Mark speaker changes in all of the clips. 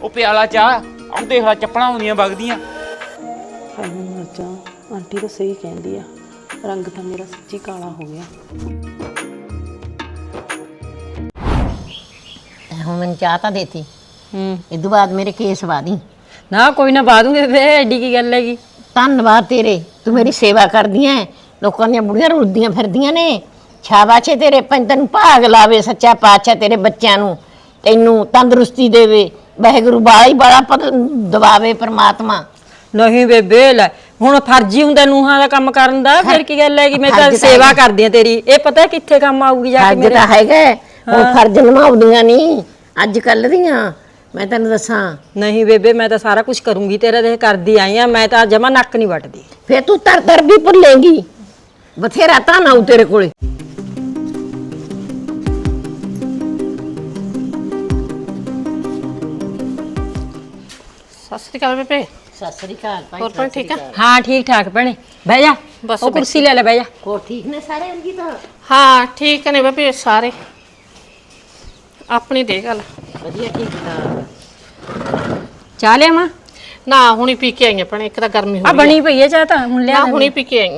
Speaker 1: ਉਹ ਪਿਆਲਾ ਚਾਹ ਆਹ ਦੇਖ ਲੈ ਚੱਪਲਾਂ ਆਉਂਦੀਆਂ ਵਗਦੀਆਂ।
Speaker 2: ਹਾਏ ਮੈਂ ਮਰ ਜਾ, ਆਂਟੀ ਤਾਂ ਸਹੀ ਕਹਿੰਦੀ ਆ, ਰੰਗ ਤਾਂ ਮੇਰਾ ਸੱਚੀ ਕਾਲਾ ਹੋ ਗਿਆ।
Speaker 3: ਹੁਣ ਮੈਨੂੰ ਚਾਹ ਤਾਂ ਦੇਤੀ। ਇਦੋਂ ਬਾਅਦ ਮੇਰੇ ਕੇਸ ਵਾਦੀ
Speaker 4: ਨਾ ਕੋਈ ਨਾ ਪਾ ਦੂੰਗੇ ਫੇ, ਐਡੀ ਕੀ ਗੱਲ ਹੈਗੀ।
Speaker 3: ਧੰਨਵਾਦ ਤੇਰੇ, ਤੂੰ ਮੇਰੀ ਸੇਵਾ ਕਰਦੀ ਐ। ਲੋਕਾਂ ਦੀਆਂ ਬੁੜੀਆਂ ਰੁਲਦੀਆਂ ਫਿਰਦੀਆਂ ਨੇ। ਸ਼ਾਬਾਸ਼ ਏ ਤੇਰੇ, ਤੈਨੂੰ ਭਾਗ ਲਾਵੇ ਸੱਚਾ ਪਾਤਸ਼ਾਹ, ਤੇਰੇ ਬੱਚਿਆਂ ਨੂੰ ਤੈਨੂੰ ਤੰਦਰੁਸਤੀ ਦੇਵੇ ਵਾਹਿਗੁਰੂ, ਬਾਲਾ ਹੀ ਬੜਾ ਦਵਾਵੇ ਪਰਮਾਤਮਾ।
Speaker 4: ਨਹੀਂ ਬੇਬੇ ਲੈ, ਹੁਣ ਫਰਜ਼ ਹੀ ਹੁੰਦਾ ਨੂੰਹਾਂ ਦਾ ਕੰਮ ਕਰਨ ਦਾ, ਫਿਰ ਕੀ ਗੱਲ ਹੈਗੀ। ਮੈਂ ਤਾਂ ਸੇਵਾ ਕਰਦੀ ਆ ਤੇਰੀ, ਇਹ ਪਤਾ ਕਿੱਥੇ ਕੰਮ ਆਊਗੀ ਜਾ ਕੇ।
Speaker 3: ਫਰਜ਼ ਤਾਂ ਹੈਗਾ, ਹੁਣ ਫਰਜ਼ ਨਿਭਾਉਂਦੀਆਂ ਨਹੀਂ ਅੱਜ ਕੱਲ ਦੀਆਂ, ਮੈਂ ਤੈਨੂੰ ਦੱਸਾਂ।
Speaker 4: ਨਹੀਂ ਬੇਬੇ, ਮੈਂ ਤਾਂ ਸਾਰਾ ਕੁਝ ਕਰੂੰਗੀ ਤੇਰਾ, ਦੇਖ ਕਰਦੀ ਆਈ ਆ ਮੈਂ ਤਾਂ, ਜਮਾ ਨੱਕ ਨਹੀਂ ਵੱਟਦੀ।
Speaker 3: ਫੇਰ ਤੂੰ ਤਰ ਵੀ ਭੁੱਲੇਂਗੀ, ਬਥੇਰਾ ਤਾਂ ਨਾ ਤੇਰੇ ਕੋਲੇ।
Speaker 5: ਸਤਿ ਸ੍ਰੀ ਅਕਾਲ ਬੇਬੇ।
Speaker 3: ਸਤਿ ਸ੍ਰੀ ਅਕਾਲ ਭਾਈ।
Speaker 5: ਹੋਰ ਭੈਣ ਠੀਕ ਆ?
Speaker 4: ਹਾਂ ਠੀਕ ਠਾਕ ਭੈਣੇ, ਬਹਿ ਜਾ,
Speaker 5: ਬਸ
Speaker 4: ਉਹ ਕੁਰਸੀ ਲੈ ਲੈ, ਬਹਿ ਜਾ।
Speaker 3: ਹੋਰ ਠੀਕ ਨੇ ਸਾਰੇ ਅੰਗੀ ਤਾਂ?
Speaker 5: ਹਾਂ ਠੀਕ ਨੇ ਬੇਬੇ ਸਾਰੇ। ਆਪਣੀ ਦੇ ਗੱਲ।
Speaker 3: ਵਧੀਆ ਠੀਕ ਠਾਕ।
Speaker 4: ਚਾਹ ਲਿਆਵਾਂ?
Speaker 5: ਨਾ ਹੁਣੀ ਪੀ ਕੇ ਆਈਆਂ ਭੈਣੇ, ਇੱਕ ਤਾਂ ਗਰਮੀ ਹੋ
Speaker 4: ਆ
Speaker 5: ਗਈ
Speaker 4: ਬਣੀ ਪਈ ਹੈ ਚਾਹ ਤਾਂ, ਹੁਣ ਲਿਆ
Speaker 5: ਨਾ ਹੁਣੀ ਪੀ ਕੇ ਆਈਆਂ।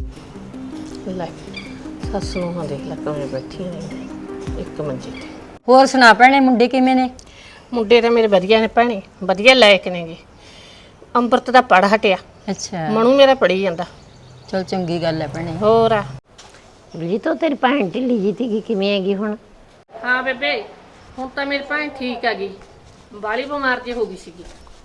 Speaker 5: ਲੈ ਸੱਸ ਨੂੰ ਹਾਂ ਦੇਖ ਲੈ ਕਿਵੇਂ ਬੈਠੀਆਂ ਨੇ ਇੱਕ ਮੰਜੇ ਤੇ।
Speaker 4: ਹੋਰ ਸੁਣਾ ਭੈਣੇ, ਮੁੰਡੇ ਕਿਵੇਂ ਨੇ?
Speaker 5: ਮੁੰਡੇ ਤਾਂ ਮੇਰੇ ਵਧੀਆ ਨੇ ਭੈਣੇ, ਵਧੀਆ ਲਾਇਕ ਨੇਗੇ। ਅੰਮ੍ਰਿਤ ਦਾ ਪੜ ਹਟਿਆ,
Speaker 4: ਅੱਛਾ
Speaker 5: ਮਨੂ ਮੇਰਾ ਪੜੀ ਜਾਂਦਾ।
Speaker 4: ਚਲ ਚੰਗੀ ਗੱਲ ਹੈ ਭੈਣੇ।
Speaker 5: ਹੋਰ ਆ
Speaker 3: ਜੀ ਤੋਂ ਤੇਰੀ ਭੈਣ ਢਿੱਲੀ ਜੀ ਤੀ ਕਿਵੇਂ ਹੈਗੀ ਹੁਣ?
Speaker 5: ਹਾਂ ਬੇਬੇ, ਹੁਣ ਤਾਂ ਮੇਰੀ ਭੈਣ ਠੀਕ ਆ ਗਈ, ਬਾਲੀ ਬਿਮਾਰ ਜੇ ਹੋ ਗਈ ਸੀਗੀ।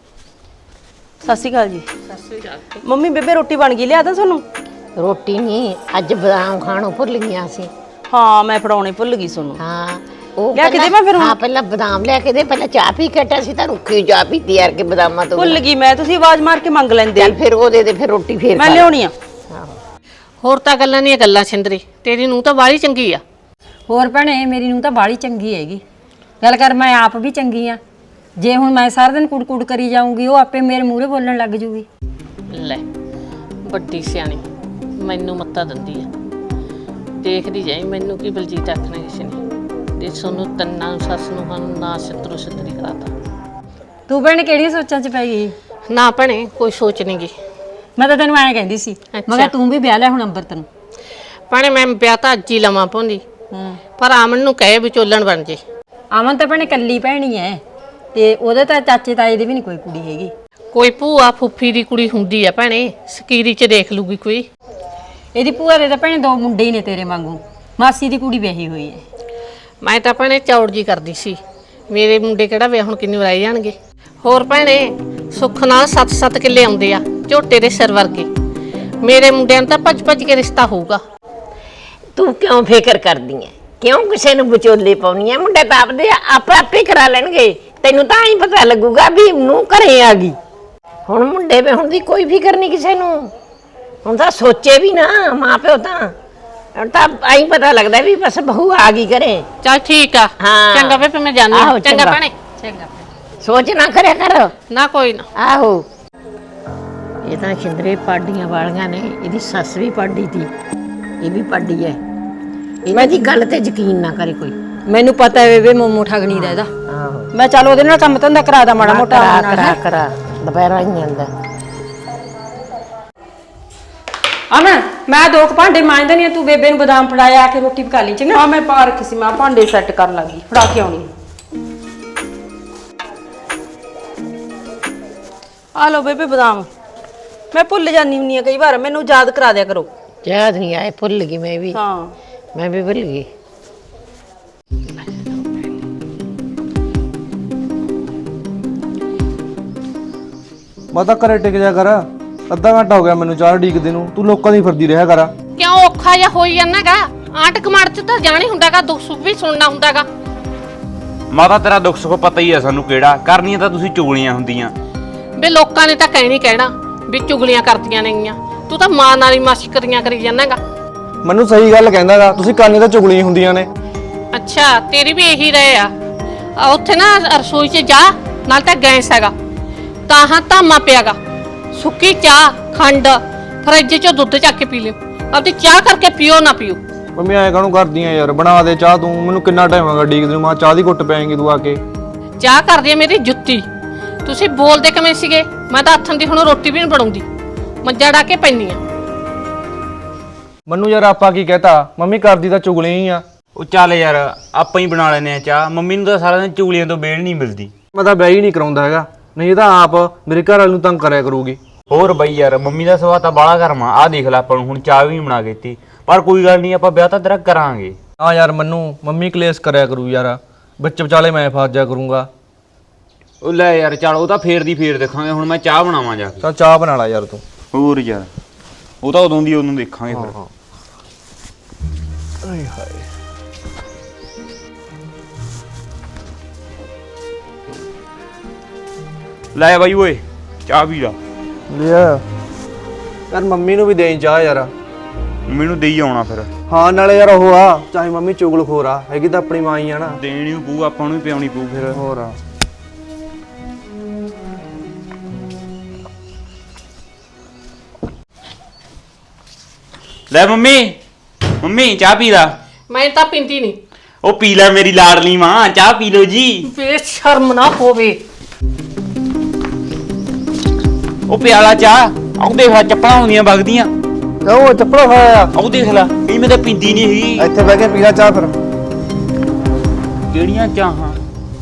Speaker 2: ਸਤਿ ਸ਼੍ਰੀ ਅਕਾਲ ਜੀ।
Speaker 5: ਸਤਿ ਸ੍ਰੀ ਅਕਾਲ।
Speaker 2: ਮੰਮੀ ਬੇਬੇ ਰੋਟੀ ਬਣ ਗਈ, ਲਿਆ ਦਾਂ ਤੁਹਾਨੂੰ?
Speaker 3: ਰੋਟੀ ਨਹੀਂ, ਅੱਜ ਬਦਾਮ ਖਾਣੋਂ ਭੁੱਲ ਗਈਆਂ ਸੀ।
Speaker 2: ਹਾਂ ਮੈਂ ਫੜਾਉਣੇ ਭੁੱਲ ਗਈ ਤੁਹਾਨੂੰ।
Speaker 3: ਹਾਂ ਉਹ
Speaker 2: ਲਿਆ ਕੇ ਦੇਵਾਂ ਫਿਰ ਹੁਣ?
Speaker 3: ਹਾਂ ਪਹਿਲਾਂ ਬਦਾਮ ਲਿਆ ਕੇ ਦੇ, ਪਹਿਲਾਂ ਚਾਹ ਪੀ ਕੇ ਹਟਿਆ ਸੀ ਤਾਂ ਰੁੱਖੀ ਚਾਹ ਪੀਤੀ ਯਾਰ ਕੇ ਬਦਾਮਾਂ ਤੋਂ।
Speaker 2: ਭੁੱਲ ਗਈ ਮੈਂ, ਤੁਸੀਂ ਆਵਾਜ਼ ਮਾਰ ਕੇ ਮੰਗ ਲੈਂਦੇ।
Speaker 3: ਚੱਲ ਫਿਰ ਉਹ ਦੇ ਦੇ, ਫਿਰ ਰੋਟੀ ਫੇਰ
Speaker 2: ਮੈਂ
Speaker 3: ਖਾ ਲੈ।
Speaker 2: ਲਿਆਉਣੀ ਆ।
Speaker 5: ਹੋਰ ਤਾਂ ਗੱਲਾਂ ਨਹੀਂ, ਗੱਲਾਂ ਛਿੰਦਰੀ, ਤੇਰੀ ਨੂੰ ਤਾਂ ਬਾਲੀ ਚੰਗੀ ਆ।
Speaker 4: ਹੋਰ ਭੈਣੇ ਮੇਰੀ ਨੂੰ ਤਾਂ ਬਾਲੀ ਚੰਗੀ ਹੈਗੀ, ਗੱਲ ਕਰ ਮੈਂ ਆਪ ਵੀ ਚੰਗੀ ਆ। ਜੇ ਹੁਣ ਮੈਂ ਸਾਰਾ ਦਿਨ ਕੁੜ ਕਰੀ ਜਾਊਂਗੀ, ਉਹ ਆਪੇ ਮੇਰੇ ਮੂਹਰੇ ਬੋਲਣ ਲੱਗ ਜੂਗੀ।
Speaker 5: ਲੈ ਵੱਡੀ ਸਿਆਣੀ ਮੈਨੂੰ ਮੱਤਾ ਦਿੰਦੀ ਆ, ਦੇਖਦੀ ਜਾਈ ਮੈਨੂੰ ਕੀ ਬਲਜੀਤ ਆਖਣਾ ਕਿਸੇ ਨੇ, ਤੇ ਸੋਨੂੰ ਤੰਨਾ ਸੱਸ ਨੂੰ ਹਨ ਨਾ ਛਤਰੂ ਛਤਰੀ ਕਰਾਤਾ।
Speaker 4: ਤੂੰ ਭੈਣੇ ਕਿਹੜੀਆਂ ਸੋਚਾਂ 'ਚ ਪੈ ਗਈ?
Speaker 5: ਨਾ ਭੈਣੇ ਕੋਈ ਸੋਚ ਨਹੀਂ ਗਈ।
Speaker 4: ਮੈਂ ਤਾਂ ਤੈਨੂੰ ਐਂ ਕਹਿੰਦੀ ਸੀ, ਮੈਂ ਕਿਹਾ ਤੂੰ ਵੀ ਵਿਆਹ ਲੈ ਹੁਣ ਅੰਬਰਤ ਨੂੰ।
Speaker 5: ਭੈਣੇ ਮੈਂ ਵਿਆਹ ਤਾਂ ਅੱਜ ਹੀ ਲਵਾਂ ਪਾਉਂਦੀ, ਪਰ ਆਮਨ ਨੂੰ ਕਹੇ ਵਿਚੋਲਣ ਬਣ ਜੇ।
Speaker 4: ਆਮਨ ਤਾਂ ਭੈਣੇ ਕੱਲੀ ਭੈਣੀ ਐ, ਤੇ ਉਹਦੇ ਤਾਂ ਚਾਚੇ ਤਾਏ ਦੀ ਵੀ ਨਹੀਂ ਕੋਈ ਕੁੜੀ ਹੈਗੀ।
Speaker 5: ਕੋਈ ਭੂਆ ਫੁੱਫੀ ਦੀ ਕੁੜੀ ਹੁੰਦੀ ਆ ਭੈਣੇ, ਸਕੀਰੀ 'ਚ ਦੇਖ ਲੂਗੀ ਕੋਈ।
Speaker 4: ਇਹਦੀ ਭੂਆ ਦੇ ਤਾਂ ਭੈਣੇ 2 ਮੁੰਡੇ ਹੀ ਨੇ ਤੇਰੇ ਵਾਂਗੂ, ਮਾਸੀ ਦੀ ਕੁੜੀ ਵਿਆਹੀ ਹੋਈ ਐ।
Speaker 5: ਮੈਂ ਤਾਂ ਭੈਣੇ ਚੌੜ ਜੀ ਕਰਦੀ ਸੀ, ਮੇਰੇ ਮੁੰਡੇ ਕਿਹੜਾ ਵਿਆਹ ਹੁਣ ਕਿੰਨੇ ਵਰਾਏ ਜਾਣਗੇ। ਹੋਰ ਭੈਣੇ ਸੁੱਖ ਨਾਲ 7-7 ਕਿੱਲੇ ਆਉਂਦੇ ਆ ਝੋਟੇ ਦੇ ਸਿਰ ਵਰਗੇ, ਮੇਰੇ ਮੁੰਡਿਆਂ ਨੂੰ ਤਾਂ ਭੱਜ ਕੇ ਰਿਸ਼ਤਾ ਹੋਊਗਾ।
Speaker 3: ਤੂੰ ਕਿਉਂ ਫਿਕਰ ਕਰਦੀ ਐ? ਕਿਉਂ ਕਿਸੇ ਨੂੰ ਵਿਚੋਲੇ ਪਾਉਣੀ ਐ? ਮੁੰਡੇ ਤਾਂ ਆਪਦੇ ਆਪੇ ਕਰਾ ਲੈਣਗੇ, ਤੈਨੂੰ ਤਾਂ ਹੀ ਪਤਾ ਲੱਗੂਗਾ ਵੀ ਨੂੰ ਘਰੇ ਆ ਗਈ। ਹੁਣ ਮੁੰਡੇ ਵੇ ਹੁਣ ਦੀ ਕੋਈ ਫਿਕਰ ਨਹੀਂ ਕਿਸੇ ਨੂੰ, ਹੁਣ ਤਾਂ ਸੋਚੇ ਵੀ ਨਾ ਮਾਂ ਪਿਓ ਤਾਂ, ਹੁਣ ਤਾਂ ਆਈ ਪਤਾ ਲੱਗਦਾ ਵੀ ਬਸ ਬਹੂ ਆ ਗਈ ਘਰੇ।
Speaker 5: ਚੱਲ ਠੀਕ ਆ,
Speaker 3: ਹਾਂ।
Speaker 5: ਚੰਗਾ ਵੇ ਮੈਂ ਜਾਂਦੀ
Speaker 3: ਆਹੋ,
Speaker 5: ਹਾਂ। ਚੰਗਾ
Speaker 3: ਚੰਗਾ।
Speaker 5: ਭੈਣੇ, ਚੰਗਾ।
Speaker 3: ਸੋਚ ਨਾ ਕਰਿਆ ਕਰ।
Speaker 5: ਨਾ ਕੋਈ ਨਾ।
Speaker 3: ਆਹੋ ਇਹ ਤਾਂ ਛਿੰਦਰੇ ਪਾਡੀਆਂ ਵਾਲੀਆਂ ਨੇ, ਇਹਦੀ ਸੱਸ ਵੀ ਪਾਡੀ ਤੀ, ਇਹ ਵੀ ਪਾਡੀ ਐ। ਇਹਨਾਂ ਦੀ ਗੱਲ ਤੇ ਯਕੀਨ ਨਾ ਕਰੇ ਕੋਈ।
Speaker 4: ਮੈਨੂੰ ਪਤਾ ਹੈ ਵੇ ਮੋਮੋ ਠਗਣੀ ਦਾ ਇਹਦਾ।
Speaker 3: ਆਹੋ
Speaker 4: ਮੈਂ ਚੱਲ ਉਹਦੇ ਨਾਲ ਕੰਮ ਧੰਦਾ ਕਰਾ ਦਾ ਮਾੜਾ ਮੋਟਾ।
Speaker 3: ਕਰਾ ਦੁਪਹਿਰਾਂ ਹੀ ਜਾਂਦਾ।
Speaker 4: ਅਮਨ ਮੈਂ 2 ਭਾਂਡੇ ਮਾਂਜਦੇ ਨਹੀਂ, ਤੂੰ ਬੇਬੇ ਨੂੰ ਬਦਾਮ ਫੜਾਇਆ, ਆ ਕੇ ਰੋਟੀ ਪਕਾ ਲਈ ਚੰਗਾ।
Speaker 2: ਹਾਂ ਮੈਂ ਪਾ ਰੱਖੀ ਸੀ, ਮੈਂ ਭਾਂਡੇ ਸੈੱਟ ਕਰਨ ਲੱਗੀ, ਫੜਾ ਕੇ ਆਉਣੀ। ਆ ਲਓ ਬੇਬੇ ਬਦਾਮ, ਮੈਂ ਭੁੱਲ ਜਾਂਦੀ ਹੁੰਨੀ ਆ ਕਈ ਵਾਰ, ਮੈਨੂੰ ਯਾਦ ਕਰਾ ਦਿਆ ਕਰੋ।
Speaker 3: ਯਾਦ ਨਹੀਂ ਆਏ, ਭੁੱਲ ਗਈ ਮੈਂ ਵੀ।
Speaker 2: ਹਾਂ
Speaker 3: ਮੈਂ ਵੀ ਭੁੱਲ ਗਈ।
Speaker 6: ਮੈਂ ਤਾਂ ਘਰੇ ਟਿਕ ਜਾ ਕਰ, ਅੱਧਾ ਘੰਟਾ ਹੋ ਗਿਆ ਮੈਨੂੰ ਚਾਹ ਢੀਕਦੇ ਨੂੰ, ਤੂੰ ਲੋਕਾਂ ਦੀ ਫਿਰਦੀ ਰਿਹਾ ਕਰ।
Speaker 5: ਕਿਉਂ ਔਖਾ ਜਿਹਾ ਹੋਈ ਜਾਂਦਾਗਾ? ਆਂਟ ਕਮਾੜ 'ਚ ਤਾਂ ਜਾਣੀ ਹੁੰਦਾਗਾ, ਦੁੱਖ ਸੁੱਖ ਵੀ ਸੁਣਨਾ ਹੁੰਦਾਗਾ।
Speaker 1: ਮਾਤਾ ਤੇਰਾ ਦੁੱਖ ਸੁੱਖ ਪਤਾ ਹੀ ਆ ਸਾਨੂੰ ਕਿਹੜਾ, ਕਰਨੀਆਂ ਤਾਂ ਤੁਸੀਂ ਚੁਗਲੀਆਂ ਹੁੰਦੀਆਂ।
Speaker 5: ਵੇ ਲੋਕਾਂ ਨੇ ਤਾਂ ਕਹਿਣਾ ਵੀ ਚੁਗਲੀਆਂ ਕਰਦੀਆਂ ਨੇਗੀਆਂ, ਤੂੰ ਤਾਂ ਮਾਂ ਨਾਲ ਹੀ ਮਸ਼ਕਰੀਆਂ ਕਰੀ ਜਾਂਦਾਗਾ।
Speaker 6: ਮੈਨੂੰ ਸਹੀ ਗੱਲ ਕਹਿੰਦਾਗਾ, ਤੁਸੀਂ ਕਰਨੀ ਤਾਂ ਚੁਗਲੀਆਂ ਹੁੰਦੀਆਂ ਨੇ।
Speaker 5: ਅੱਛਾ ਤੇਰੀ ਵੀ ਇਹੀ ਰਹੇ ਆ। ਉੱਥੇ ਨਾ ਰਸੋਈ 'ਚ ਜਾ, ਨਾਲ ਤਾਂ ਗੈਸ ਹੈਗਾ, ਤਾਂ ਧਾਮਾ ਪਿਆਗਾ, ਸੁੱਕੀ ਚਾਹ ਖੰਡ ਫਰਿੱਜ 'ਚੋਂ ਦੁੱਧ ਚੱਕ ਕੇ ਪੀ ਲਿਓ, ਆਪਦੀ ਚਾਹ ਕਰਕੇ ਪੀਓ ਨਾ ਪੀਓ।
Speaker 6: ਮੰਮੀ ਐਂ ਕਾਹਨੂੰ ਕਰਦੀਆਂ ਯਾਰ, ਬਣਾ ਦੇ ਚਾਹ ਤੂੰ, ਮੈਨੂੰ ਕਿੰਨਾ ਟਾਈਮ ਹੋਗਾ ਢੀਕਦੇ ਨੂੰ, ਮਾਂ ਚਾਹ ਦੀ ਘੁੱਟ ਪੈਂਗੀ ਤੂੰ ਆ ਕੇ।
Speaker 5: ਚਾਹ ਕਰਦੀ ਆ ਮੇਰੀ ਜੁੱਤੀ, ਤੁਸੀਂ ਬੋਲਦੇ ਕਿਵੇਂ ਸੀਗੇ? ਮੈਂ ਤਾਂ ਹੱਥਾਂ ਦੀ ਹੁਣ ਰੋਟੀ ਵੀ ਨਹੀਂ ਬਣਾਉਂਦੀ, ਮੱਝਾਂ ਡਾ ਕੇ ਪੈਂਦੀ ਆ।
Speaker 6: ਮੈਨੂੰ ਯਾਰ ਆਪਾਂ ਕੀ ਕਹਤਾ, ਮੰਮੀ ਕਰਦੀ ਤਾਂ ਚੁਗਲੀਆਂ ਹੀ ਆ।
Speaker 1: ਉਹ ਚੱਲ ਯਾਰ ਆਪਾਂ ਹੀ ਬਣਾ ਲੈਨੇ ਆ ਚਾਹ, ਮੰਮੀ ਨੂੰ ਤਾਂ ਸਾਰਾ ਦਿਨ ਚੁਗਲੀਆਂ ਤੋਂ ਵੇਲ ਨਹੀਂ ਮਿਲਦੀ।
Speaker 6: ਮੈਂ ਤਾਂ ਬਹਿ ਹੀ ਨਹੀਂ ਕਰਾਉਂਦਾ ਹੈਗਾ, ਨਹੀਂ ਇਹ ਤਾਂ ਆਪ ਮੇਰੇ ਘਰ ਵਾਲੇ ਨੂੰ ਤੰਗ ਕਰਿਆ ਕਰੂਗੀ।
Speaker 1: ਹੋਰ ਬਈ ਯਾਰ ਮੰਮੀ ਦਾ ਸੁਭਾਅ ਤਾਂ ਬਾਹਲਾ ਗਰਮ ਆ, ਆਹ ਦੇਖ ਲੈ ਆਪਾਂ ਨੂੰ ਹੁਣ ਚਾਹ ਵੀ ਨਹੀਂ ਬਣਾ ਕੇ ਦਿੱਤੀ। ਪਰ ਕੋਈ ਗੱਲ ਨਹੀਂ, ਆਪਾਂ ਵਿਆਹ ਤਾਂ ਤੇਰਾ ਕਰਾਂਗੇ।
Speaker 6: ਹਾਂ ਯਾਰ ਮੰਮੀ ਕਲੇਸ਼ ਕਰਿਆ ਕਰੂ ਯਾਰ, ਵਿੱਚ ਵਿਚਾਲੇ ਮੈਂ ਫਸ ਜਾ ਕਰੂੰਗਾ।
Speaker 1: ਉਹ ਲੈ ਯਾਰ ਚੱਲ, ਉਹ ਤਾਂ ਫੇਰ ਦੀ ਫੇਰ ਦੇਖਾਂਗੇ, ਹੁਣ ਮੈਂ ਚਾਹ ਬਣਾਵਾਂ ਜਾ ਕੇ।
Speaker 6: ਚੱਲ ਚਾਹ ਬਣਾ ਲੈ ਯਾਰ ਤੂੰ।
Speaker 1: ਹੋਰ ਯਾਰ ਉਹ ਤਾਂ ਉਦੋਂ ਦੀ ਉਹਨੂੰ ਦੇਖਾਂਗੇ ਫਿਰ।
Speaker 6: ਆਏ ਹਾਏ
Speaker 1: ਲੈ ਬਾਈ ਓਏ ਚਾਹ ਪੀ ਲਾ।
Speaker 6: ਲਿਆ ਯਾਰ, ਮੰਮੀ ਨੂੰ ਵੀ ਦੇਈ ਚਾਹ ਯਾਰ।
Speaker 1: ਮੈਨੂੰ ਦੇਈ ਆਉਣਾ ਫਿਰ।
Speaker 6: ਹਾਂ ਨਾਲੇ ਯਾਰ ਉਹ ਆ, ਚਾਹੇ ਮੰਮੀ ਚੁਗਲਖੋਰ ਆ, ਹੈਗੀ ਤਾਂ ਆਪਣੀ ਮਾਂ ਹੀ ਆ ਨਾ।
Speaker 1: ਦੇਣੀ ਪਊ ਆਪਾਂ ਨੂੰ, ਵੀ ਪਿਆਉਣੀ ਪਊ ਫਿਰ।
Speaker 6: ਹੋਰ ਆ।
Speaker 1: ਲੈ ਮੰਮੀ, ਮੰਮੀ ਚਾਹ ਪੀ ਲਾ।
Speaker 5: ਮੈਂ ਤਾਂ ਪੀਂਦੀ ਨਹੀਂ।
Speaker 1: ਉਹ ਪੀ ਲੈ ਮੇਰੀ ਲਾਡਲੀ ਮਾਂ, ਚਾਹ ਪੀ ਲਓ ਜੀ।
Speaker 5: ਬੇਸ਼ਰਮ ਨਾ ਹੋਵੇ।
Speaker 1: ਉਹ ਪਿਆਲਾ ਚਾਹ, ਆਹ ਦੇਖ ਲੈ ਚੱਪਲਾਂ ਹੁੰਦੀਆਂ ਵਗਦੀਆਂ।
Speaker 6: ਉਹ ਚੱਪੜਾ ਖਾਇਆ ਆ,
Speaker 1: ਆਹ ਦੇਖ ਲੈ, ਇਹ ਮੈਂ ਤਾਂ ਪੀਂਦੀ ਨਹੀਂ ਹੈਗੀ।
Speaker 6: ਇੱਥੇ ਬਹਿ ਕੇ ਪੀ ਲੈ ਚਾਹ ਫਿਰ।
Speaker 1: ਕਿਹੜੀਆਂ ਚਾਹਾਂ?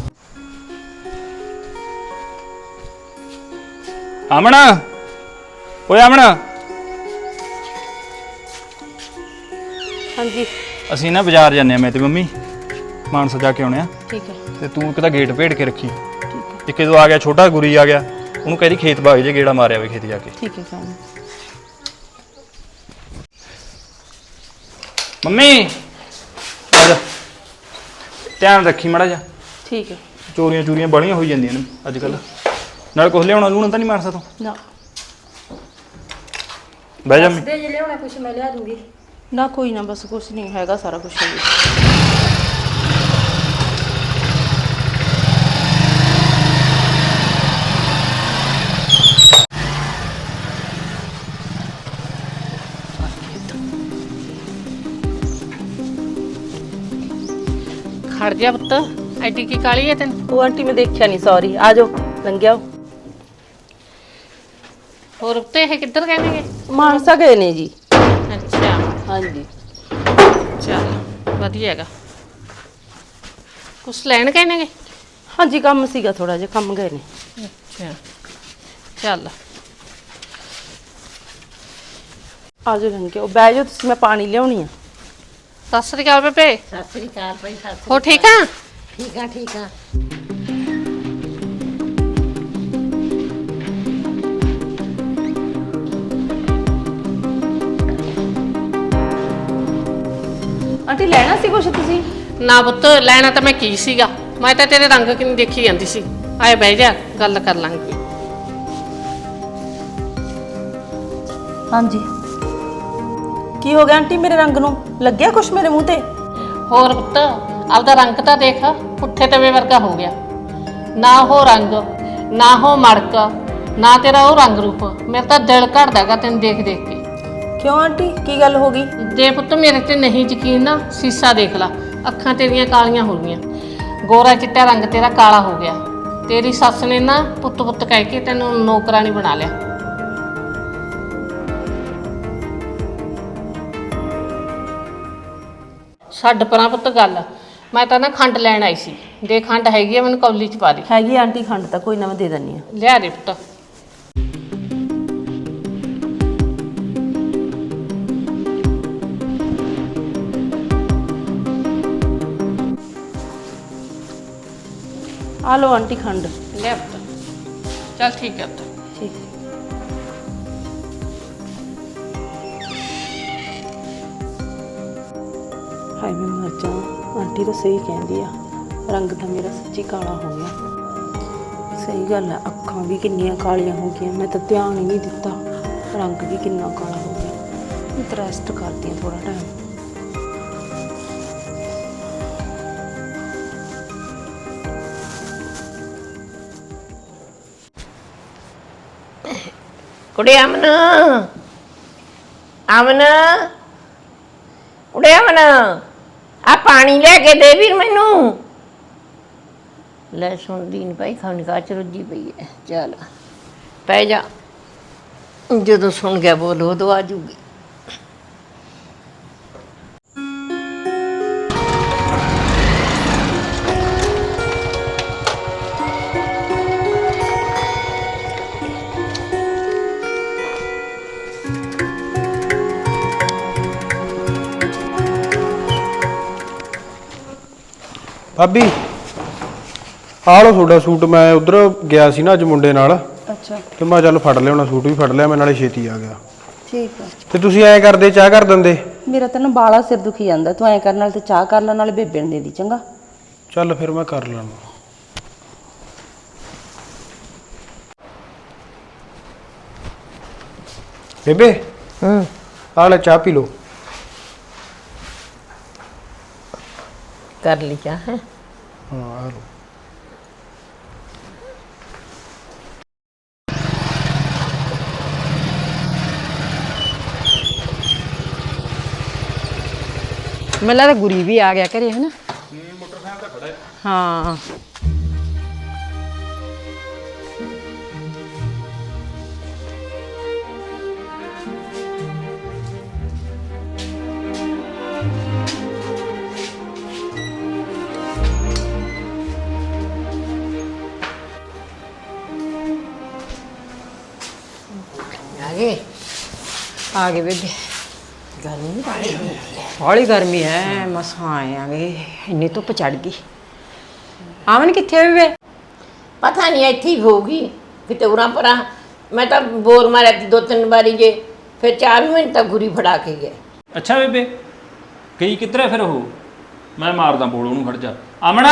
Speaker 7: ਅਮਨ, ਓਏ ਅਮਨ,
Speaker 2: ਹਾਂਜੀ
Speaker 7: ਅਸੀਂ ਨਾ ਬਾਜ਼ਾਰ ਜਾਂਦੇ ਆ, ਮੈਂ ਤੇ ਮੰਮੀ ਮਾਨਸਾ ਜਾ ਕੇ ਆਉਣੇ ਆ।
Speaker 2: ਠੀਕ ਹੈ।
Speaker 7: ਤੇ ਤੂੰ ਇੱਕ ਤਾਂ ਗੇਟ ਭੇੜ ਕੇ ਰੱਖੀ। ਇੱਕ ਜਦੋਂ ਆ ਗਿਆ ਛੋਟਾ ਗੁਰੀ ਆ ਗਿਆ, ਉਹਨੂੰ ਕਹਿ ਦੀ ਖੇਤ ਬਾਗ ਜੇ ਗੇੜਾ ਮਾਰਿਆ ਵੇ ਖੇਤ ਜਾ ਕੇ।
Speaker 2: ਠੀਕ ਹੈ ਕੰਮ।
Speaker 7: ਮੰਮੀ ਆ ਜਾ, ਧਿਆਨ ਰੱਖੀ ਮਾੜਾ ਜਾ।
Speaker 2: ਠੀਕ ਹੈ।
Speaker 7: ਚੋਰੀਆਂ ਚੂਰੀਆਂ ਬੜੀਆਂ ਹੋਈ ਜਾਂਦੀਆਂ ਨੇ ਅੱਜ ਕੱਲ। ਨਾਲ ਕੁਛ ਲਿਆਉਣਾ ਲੂਣਾ ਤਾਂ ਨਹੀਂ ਮਾਨਸਾ ਤੋਂ?
Speaker 2: ਨਾ
Speaker 7: ਬਹਿ ਜਾ।
Speaker 4: ਦੇ ਜੇ ਲਿਆਉਣਾ ਕੁਛ ਮੈਂ ਲਿਆ ਦੂੰਗੀ।
Speaker 2: ਨਾ ਕੋਈ ਨਾ, ਬਸ ਕੁਛ ਨਹੀਂ ਹੈਗਾ, ਸਾਰਾ ਕੁਛ ਹੈ।
Speaker 5: ਖੜ ਜਾ ਪੁੱਤ, ਐਡੀ ਕੀ ਕਾਲੀ ਹੈ ਤੈਨੂੰ?
Speaker 2: ਉਹ ਆਂਟੀ ਮੈਂ ਦੇਖਿਆ ਨਹੀਂ, ਸੌਰੀ। ਆ ਜਾਓ, ਲੰਘਿਆ।
Speaker 5: ਹੋਰ ਉੱਤੇ ਇਹ ਕਿੱਧਰ ਗਏ ਨੇਗੇ?
Speaker 2: ਮਾਨਸਾ ਗਏ ਨੇ ਜੀ।
Speaker 5: ਅੱਛਾ
Speaker 2: ਹਾਂਜੀ।
Speaker 5: ਚੱਲ ਵਧੀਆ ਹੈਗਾ। ਕੁਛ ਲੈਣ ਗਏ ਨੇਗੇ?
Speaker 2: ਹਾਂਜੀ ਕੰਮ ਸੀਗਾ, ਥੋੜਾ ਜਿਹਾ ਕੰਮ ਗਏ ਨੇ।
Speaker 5: ਅੱਛਾ ਚੱਲ
Speaker 2: ਆ ਜਾਓ, ਲੰਘਿਆ। ਬਹਿ ਜਾਓ ਤੁਸੀਂ, ਮੈਂ ਪਾਣੀ ਲਿਆਉਣੀ ਆ।
Speaker 5: ਸਤਿ ਸ੍ਰੀ ਅਕਾਲ ਬੇਬੇ।
Speaker 3: ਸਤਿ ਸ੍ਰੀ ਅਕਾਲ ਭਾਈ। ਸਤਿ ਸ੍ਰੀ
Speaker 5: ਹੋ ਠੀਕ ਆ?
Speaker 3: ਠੀਕ ਆ, ਠੀਕ ਆ।
Speaker 2: ਆਂਟੀ ਲੈਣਾ ਸੀ ਕੁਛ ਤੁਸੀਂ?
Speaker 5: ਨਾ ਪੁੱਤ, ਲੈਣਾ ਤਾਂ ਮੈਂ ਕੀ ਸੀਗਾ, ਮੈਂ ਤਾਂ ਤੇਰੇ ਰੰਗ ਕਿੰਨੀ ਦੇਖੀ ਜਾਂਦੀ ਸੀ। ਆਏ ਬਹਿ ਜਾ, ਗੱਲ ਕਰ ਲਾਂਗੇ।
Speaker 2: ਹਾਂਜੀ। ਕੀ ਹੋ ਗਿਆ ਆਂਟੀ, ਮੇਰੇ ਰੰਗ ਨੂੰ ਲੱਗਿਆ ਕੁਛ ਮੇਰੇ ਮੂੰਹ ਤੇ?
Speaker 5: ਹੋਰ ਪੁੱਤ, ਆਪਦਾ ਰੰਗ ਤਾਂ ਦੇਖ, ਪੁੱਠੇ ਤਵੇ ਵਰਗਾ ਹੋ ਗਿਆ। ਨਾ ਉਹ ਰੰਗ, ਨਾ ਉਹ ਮੜਕ, ਨਾ ਤੇਰਾ ਉਹ ਰੰਗ ਰੂਪ। ਮੇਰਾ ਤਾਂ ਦਿਲ ਘੜਦਾਗਾ ਤੈਨੂੰ ਦੇਖ ਦੇਖ ਕੇ।
Speaker 2: ਕਿਉਂ ਆਂਟੀ, ਕੀ ਗੱਲ ਹੋ ਗਈ?
Speaker 5: ਜੇ ਪੁੱਤ ਮੇਰੇ ਤੇ ਨਹੀਂ ਯਕੀਨ ਨਾ, ਸੀਸਾ ਦੇਖ ਲਾ, ਅੱਖਾਂ ਤੇਰੀਆਂ ਕਾਲੀਆਂ ਹੋ ਗਈਆਂ, ਗੋਰਾ ਚਿੱਟਾ ਰੰਗ ਤੇਰਾ ਕਾਲਾ ਹੋ ਗਿਆ। ਤੇਰੀ ਸੱਸ ਨੇ ਨਾ ਪੁੱਤ ਪੁੱਤ ਕਹਿ ਕੇ ਤੈਨੂੰ ਨੌਕਰਾਨੀ ਬਣਾ ਲਿਆ। ਛੱਡ ਪਰਾਂ ਪੁੱਤ ਗੱਲ, ਮੈਂ ਤਾਂ ਨਾ ਖੰਡ ਲੈਣ ਆਈ ਸੀ। ਦੇ ਖੰਡ ਹੈਗੀ ਆ, ਮੈਨੂੰ ਕੌਲੀ ਚ ਪਾ ਦੇ।
Speaker 2: ਹੈਗੀ ਆਂਟੀ ਖੰਡ, ਤਾਂ ਕੋਈ ਨਾ ਮੈਂ ਦੇ ਦਿੰਨੀ ਆ।
Speaker 5: ਲਿਆ ਦੇ ਪੁੱਤ।
Speaker 2: ਆ ਲਓ ਆਂਟੀ ਖੰਡ।
Speaker 5: ਲਿਆ ਪੁੱਤ। ਚੱਲ ਠੀਕ ਹੈ ਪੁੱਤ।
Speaker 2: ਠੀਕ ਹੈ। ਹਾਏ ਮੈਂ ਮਰ ਜਾ, ਆਂਟੀ ਤਾਂ ਸਹੀ ਕਹਿੰਦੀ ਆ, ਰੰਗ ਤਾਂ ਮੇਰਾ ਸੱਚੀ ਕਾਲਾ ਹੋ ਗਿਆ। ਸਹੀ ਗੱਲ ਆ, ਅੱਖਾਂ ਵੀ ਕਿੰਨੀਆਂ ਕਾਲੀਆਂ ਹੋ ਗਈਆਂ, ਮੈਂ ਤਾਂ ਧਿਆਨ ਹੀ ਨਹੀਂ ਦਿੱਤਾ। ਰੰਗ ਵੀ ਕਿੰਨਾ ਕਾਲਾ ਹੋ ਗਿਆ। ਮੈਂ ਤਾਂ ਰੈਸਟ ਕਰਦੀ ਹਾਂ ਥੋੜਾ ਟਾਈਮ।
Speaker 3: ਕੁੜੇ ਅਮਨ, ਅਮਨ, ਕੁੜੇ ਅਮਨ, ਆ ਪਾਣੀ ਲੈ ਕੇ ਦੇ ਵੀਰ ਮੈਨੂੰ। ਲੈ ਸੁਣਦੀ ਨੀ ਭਾਈ ਖਾਣੀ ਕਾ ਚ ਰੁੱਝੀ ਪਈ ਐ। ਚੱਲ ਪੈ ਜਾ, ਜਦੋਂ ਸੁਣ ਗਿਆ ਬੋਲ ਉਦੋਂ ਆ ਜੂਗੀ।
Speaker 6: ਭਾਬੀ ਆਹ ਲਓ ਤੁਹਾਡਾ ਸੂਟ। ਮੈਂ ਉਧਰ ਗਿਆ ਸੀ ਨਾ ਅੱਜ ਮੁੰਡੇ ਨਾਲ,
Speaker 2: ਅੱਛਾ
Speaker 6: ਤੇ ਮੈਂ ਚੱਲ ਫੜ ਲਿਆ, ਸੂਟ ਵੀ ਫੜ ਲਿਆ ਮੈਂ, ਨਾਲੇ ਛੇਤੀ ਆ ਗਿਆ।
Speaker 2: ਠੀਕ ਹੈ।
Speaker 6: ਤੇ ਤੁਸੀਂ ਐਂ ਕਰਦੇ, ਚਾਹ ਕਰ ਦਿੰਦੇ।
Speaker 2: ਮੇਰਾ ਤਾਂ ਨਾ ਬਾਲਾ ਸਿਰ ਦੁਖੀ ਜਾਂਦਾ, ਤੂੰ ਐਂ ਕਰਨ ਨਾਲ ਤੇ ਚਾਹ ਕਰ ਲੈ, ਨਾਲੇ ਬੇਬੇ ਨੂੰ ਦੇ ਦੀ ਚੰਗਾ।
Speaker 6: ਚੱਲ ਫਿਰ ਮੈਂ ਕਰ ਲੈਣਾ। ਬੇਬੇ ਆ ਲੈ ਚਾਹ ਪੀ ਲਓ।
Speaker 3: ਕਰ ਲਈ ਚਾਹ ਹੈ।
Speaker 6: ਹਾਂ ਆ ਲਓ।
Speaker 4: ਮੈਨੂੰ ਲੱਗਦਾ ਗੁਰੀ ਵੀ ਆ ਗਿਆ ਘਰੇ ਹੈ ਨਾ। ਮੋਟਰਸਾਈਕਲ ਤਾਂ ਖੜਾ ਹੈ। ਹਾਂ ਆ ਗਏ ਬੇਬੇ।
Speaker 3: ਗਰਮੀ ਬਾਹਲੀ ਹੋਈ ਐ।
Speaker 4: ਬੜੀ ਗਰਮੀ ਹੈ, ਮਸਾਂ ਆਏ ਆਂਗੇ, ਇੰਨੀ ਧੁੱਪ ਚੜ ਗਈ। ਆਵਨ ਕਿੱਥੇ ਆ ਬੇਬੇ?
Speaker 3: ਪਤਾ ਨਹੀਂ ਇੱਥੇ ਹੀ ਹੋਊਗੀ ਕਿਤੇ ਉਰਾਂ ਪਰਾਂ। ਮੈਂ ਤਾਂ ਬੋਲ ਮਾਰਿਆ ਤੀ 2-3 ਵਾਰੀ ਜੇ, ਫਿਰ 4 ਮਿੰਟ ਤੱਕ ਗੁਰੀ ਫੜਾ ਕੇ ਗਏ।
Speaker 7: ਅੱਛਾ ਬੇਬੇ ਗਈ ਕਿੱਧਰ ਹੈ ਫਿਰ ਉਹ? ਮੈਂ ਮਾਰਦਾ ਬੋਲ ਉਹਨੂੰ, ਖੜ ਜਾ। ਆਮਣਾ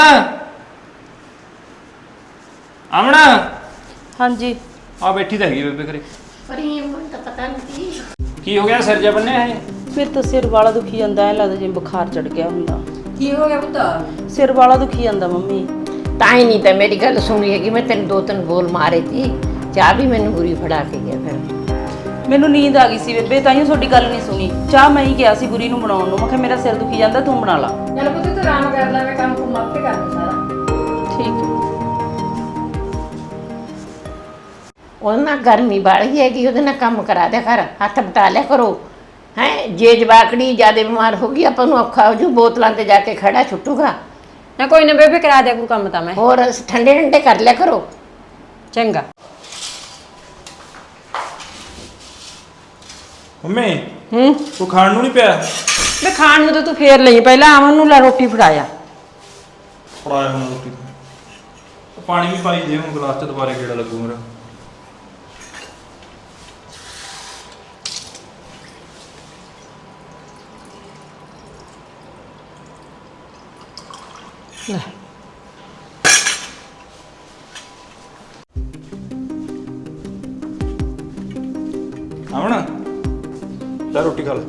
Speaker 7: ਆਮਣਾ
Speaker 2: ਹਾਂਜੀ
Speaker 7: ਆ ਬੈਠੀ ਤਾਂ ਹੈਗੀ ਬੇਬੇ ਘਰੇ।
Speaker 3: ਪਰ ਇਹ ਮੈਨੂੰ ਤਾਂ ਪਤਾ ਨਹੀਂ
Speaker 7: ਕੀ ਹੋ ਗਿਆ, ਸਿਰ ਜਾ ਬੰਨਿਆ ਹੈ?
Speaker 2: ਫਿਰ ਤਾਂ ਸਿਰ ਵਾਲਾ ਦੁਖੀ ਜਾਂਦਾ, ਐ ਲੱਗਦਾ ਜਿਵੇਂ ਬੁਖਾਰ ਚੜ ਗਿਆ ਹੁੰਦਾ।
Speaker 4: ਕੀ ਹੋ ਗਿਆ ਪੁੱਤ?
Speaker 2: ਸਿਰ ਵਾਲਾ ਦੁਖੀ ਜਾਂਦਾ ਮੰਮੀ।
Speaker 3: ਤਾਂ ਹੀ ਨਹੀਂ ਤਾਂ ਮੇਰੀ ਗੱਲ ਸੁਣੀ ਹੈਗੀ। ਮੈਂ ਤੈਨੂੰ 2-3 ਬੋਲ ਮਾਰੇ ਤੀ, ਚਾਹ ਵੀ ਮੈਨੂੰ ਗੁਰੀ ਫੜਾ ਕੇ ਗਿਆ। ਫਿਰ
Speaker 2: ਮੈਨੂੰ ਨੀਂਦ ਆ ਗਈ ਸੀ ਬੇਬੇ, ਤਾਂ ਹੀ ਤੁਹਾਡੀ ਗੱਲ ਨਹੀਂ ਸੁਣੀ। ਚਾਹ ਮੈਂ ਹੀ ਗਿਆ ਸੀ ਗੁਰੀ ਨੂੰ ਬਣਾਉਣ ਨੂੰ, ਮੈਂ ਕਿਹਾ ਮੇਰਾ ਸਿਰ ਦੁਖੀ ਜਾਂਦਾ, ਤੂੰ ਬਣਾ ਲਾ।
Speaker 4: ਚੱਲ ਪੁੱਤ ਤੂੰ ਆਰਾਮ ਕਰ ਲੈ, ਮੈਂ ਕੰਮ ਕੁਮ ਆਪੇ ਕਰ ਲੂੰ ਸਾਰਾ।
Speaker 2: ਠੀਕ ਹੈ।
Speaker 3: ਉਹਦੇ ਨਾਲ ਗਰਮੀ ਬਾਹਲੀ ਹੈਗੀ, ਉਹਦੇ ਨਾਲ ਕੰਮ ਕਰਾ ਦਿਆ ਕਰ, ਹੱਥ ਬਟਾ ਲਿਆ ਕਰੋ ਹੈ। ਜੇ ਜਵਾਕੜੀ ਜ਼ਿਆਦਾ ਬਿਮਾਰ ਹੋ ਗਈ ਆਪਾਂ ਨੂੰ ਔਖਾ ਹੋ ਜੂ, ਬੋਤਲਾਂ ਤੇ ਜਾ ਕੇ ਖੜਾ ਛੁੱਟੂਗਾ।
Speaker 4: ਨਾ ਕੋਈ ਨਾ ਬੇਬੇ, ਕਰਾ ਦਿਆ ਕੋਈ ਕੰਮ ਤਾਂ ਮੈਂ।
Speaker 3: ਹੋਰ ਠੰਡੇ ਠੰਡੇ ਕਰ ਲਿਆ ਕਰੋ।
Speaker 4: ਚੰਗਾ।
Speaker 7: ਮੰਮੀ
Speaker 4: ਹੂੰ
Speaker 7: ਤੂੰ ਖਾਣ ਨੂੰ ਨਹੀਂ ਪਿਆ?
Speaker 4: ਮੈਂ ਖਾਣ ਨੂੰ ਤਾਂ ਤੂੰ ਫੇਰ ਲਈ, ਪਹਿਲਾਂ ਆਵਨ ਨੂੰ ਲੈ ਰੋਟੀ ਫੜਾਇਆ।
Speaker 7: ਫੜਾਇਆ ਹੁਣ ਰੋਟੀ। ਪਾਣੀ ਵੀ ਪਾਈ ਦੇ ਹੁਣ ਗਲਾਸ ਚ, ਦੁਬਾਰੇ ਕਿਹੜਾ ਲੱਗੂ ਮੇਰਾ।
Speaker 4: ਲੈ
Speaker 7: ਆਵਣਾ ਲੈ ਰੋਟੀ ਖਾ ਲੈ।